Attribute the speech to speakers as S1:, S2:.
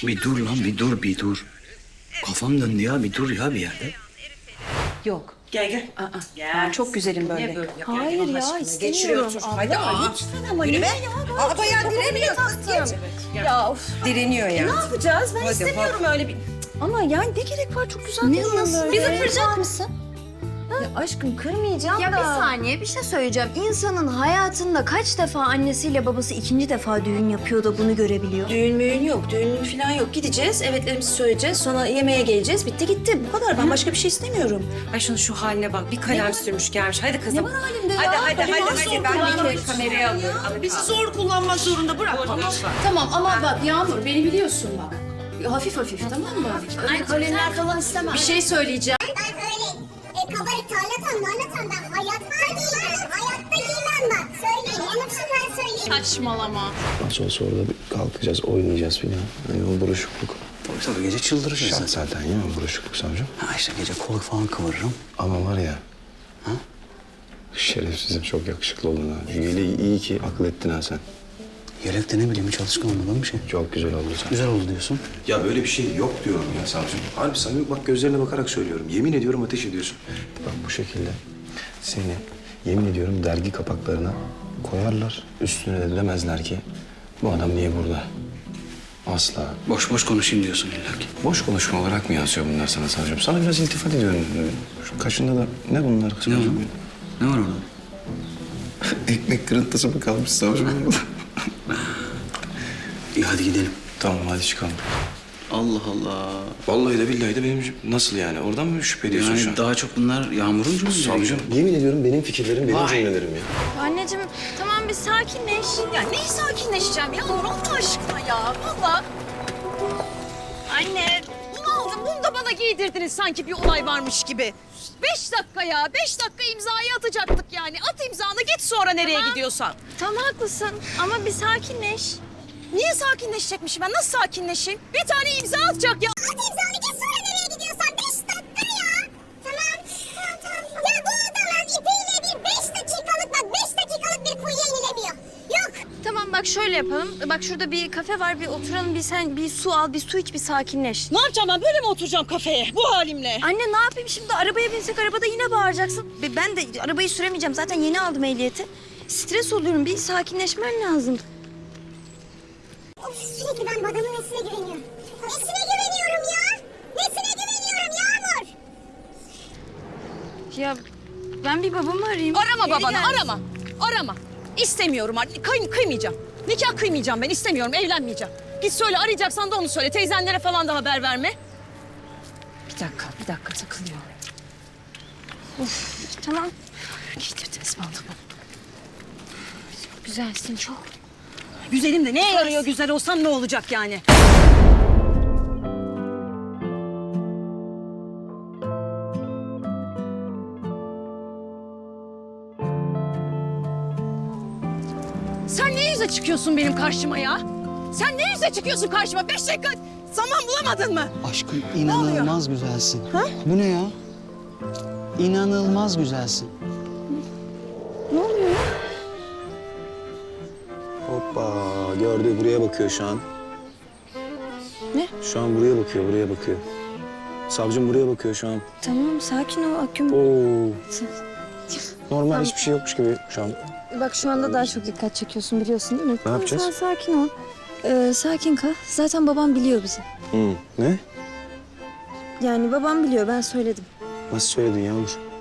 S1: Bir dur lan, bir dur. Kafam döndü ya, bir dur ya bir yerde.
S2: Yok.
S3: Gel.
S2: Ben çok güzelim böyle.
S3: Ne böyle?
S2: Hayır ya, istemiyorum.
S3: Hadi
S2: Lütfen ama
S3: Yürü
S2: niye
S3: be.
S2: ya?
S3: Aa, bayağı direniyor kız.
S2: Taktım. Ya of.
S3: Direniyor ya.
S2: Ne yapacağız? Ben
S3: Hadi,
S2: istemiyorum öyle bir... Ama yani ne gerek var? Çok güzel
S4: Ne
S2: duruyor
S4: nasıl?
S2: böyle.
S4: Bizi kıracak mısın?
S2: Ya aşkım kırmayacağım
S4: Ya
S2: da.
S4: bir saniye bir şey söyleyeceğim. İnsanın hayatında kaç defa annesiyle babası ikinci defa düğün yapıyor da bunu görebiliyor?
S2: Düğün müğün yok, düğün falan yok. Gideceğiz, evetlerimizi söyleyeceğiz, sonra yemeğe geleceğiz. Bitti gitti. Bu kadar. Ben başka bir şey istemiyorum.
S3: Ay şunun şu haline bak. Bir kalem sürmüş gelmiş. Hadi kızım.
S2: Ne var halimde ya?
S3: Hadi.
S2: Hadi,
S3: Ben bir kameraya alıyorum.
S2: Bizi zor kullanmak zorunda bırak. Tamam ama bak Yağmur beni biliyorsun bak. Hafif hafif tamam mı? Ölenler falan istemem. Bir şey söyleyeceğim.
S5: Ben öyle kabarık tarlatan ben hayatta giymem. Hayatta giymem bak. Söyleyeyim. Onun için ben söyleyeyim.
S2: Saçmalama.
S6: Nasıl olsa orada bir kalkacağız, oynayacağız filan. Hani o buruşukluk.
S1: Tabii gece çıldırırsın
S6: Şart zaten ya o buruşukluk savcım.
S1: Ha işte gece kol falan kıvırırım.
S6: Ama var ya... Şerefsizim çok yakışıklı oldun ha. İyi ki akıl ettin ha sen.
S1: Yelekte ne bileyim hiç alışkın olmadığım bir şey.
S6: Çok güzel oldu sen.
S1: Güzel oldu diyorsun.
S6: Ya böyle bir şey yok diyorum ya savcım. Harbi samimi bak gözlerine bakarak söylüyorum. Yemin ediyorum ateş ediyorsun. Bak bu şekilde seni yemin ediyorum dergi kapaklarına koyarlar. Üstüne de demezler ki bu adam niye burada? Asla.
S1: Boş boş konuşayım diyorsun illa ki.
S6: Boş konuşma olarak mı yazıyor bunlar sana savcım? Sana biraz iltifat ediyorum. Şu kaşında da ne bunlar
S1: Ne var?
S6: savcım?
S1: Ne var orada?
S6: Ekmek kırıntısı mı kalmış savcım?
S1: İyi hadi gidelim.
S6: Tamam hadi çıkalım.
S1: Allah Allah.
S6: Vallahi de billahi de benim nasıl yani? Oradan mı şüphe ediyorsun şu an?
S1: Yani daha çok bunlar Yağmur'un cümleleri.
S6: Savcım yemin ediyorum benim fikirlerim, benim cümlelerim ya.
S4: Anneciğim tamam bir sakinleş.
S2: Ya neyi sakinleşeceğim ya? Nur Allah aşkına ya. Valla.
S4: Anne.
S7: Bunu aldım, bunu da bana giydirdiniz sanki bir olay varmış gibi. 5 dakika ya, 5 dakika imzayı atacaktık yani. At imzanı git sonra nereye gidiyorsan.
S4: Tam haklısın ama bir sakinleş.
S7: Niye sakinleşecekmişim ben? Nasıl sakinleşeyim? Bir tane imza atacak ya.
S5: At imzanı git sonra nereye gidiyorsan 5 dakika ya. Tamam. Ya bu adamın ipiyle bir 5 dakikalık bak 5 dakikalık bir kuyuya inilemiyor. Yok.
S4: Tamam bak şöyle yapalım. Bak şurada bir kafe var bir oturalım sen bir su al bir su iç bir sakinleş.
S7: Ne yapacağım ben? Böyle mi oturacağım kafeye bu halimle?
S4: Anne ne yapayım şimdi arabaya binsek arabada yine bağıracaksın. Ben de arabayı süremeyeceğim zaten yeni aldım ehliyeti. Stres oluyorum bir sakinleşmen lazım.
S5: Of, sürekli ben bu adamın nesine güveniyorum. Nesine güveniyorum ya? Nesine güveniyorum Yağmur?
S4: Ya ben bir babamı arayayım.
S7: Arama
S4: Geri
S7: babanı,
S4: gelsin.
S7: arama. İstemiyorum artık. Kıymayacağım. Nikah kıymayacağım ben, istemiyorum, evlenmeyeceğim. Git söyle, arayacaksan da onu söyle. Teyzenlere falan da haber verme. Bir dakika takılıyor.
S4: Tamam.
S7: Giydirdiniz bana bunu.
S4: Güzelsin çok.
S7: Güzelim de neye yarıyor güzel olsam ne olacak yani? Sen ne yüze çıkıyorsun benim karşıma ya? Sen ne yüze çıkıyorsun karşıma? 5 dakika zaman bulamadın mı?
S8: Aşkım inanılmaz güzelsin. Bu ne ya? İnanılmaz güzelsin.
S6: Hoppa gördü buraya bakıyor şu an.
S4: Ne?
S6: Şu an buraya bakıyor. Savcım buraya bakıyor şu an.
S4: Tamam sakin ol Aküm.
S6: Oo. Normal hiçbir şey yokmuş gibi şu an.
S4: Bak şu anda daha çok dikkat çekiyorsun biliyorsun değil mi?
S6: Ne yapacağız?
S4: Sen sakin ol. Sakin kal. Zaten babam biliyor bizi.
S6: Ne?
S4: Yani babam biliyor ben söyledim.
S6: Nasıl söyledin Yağmur?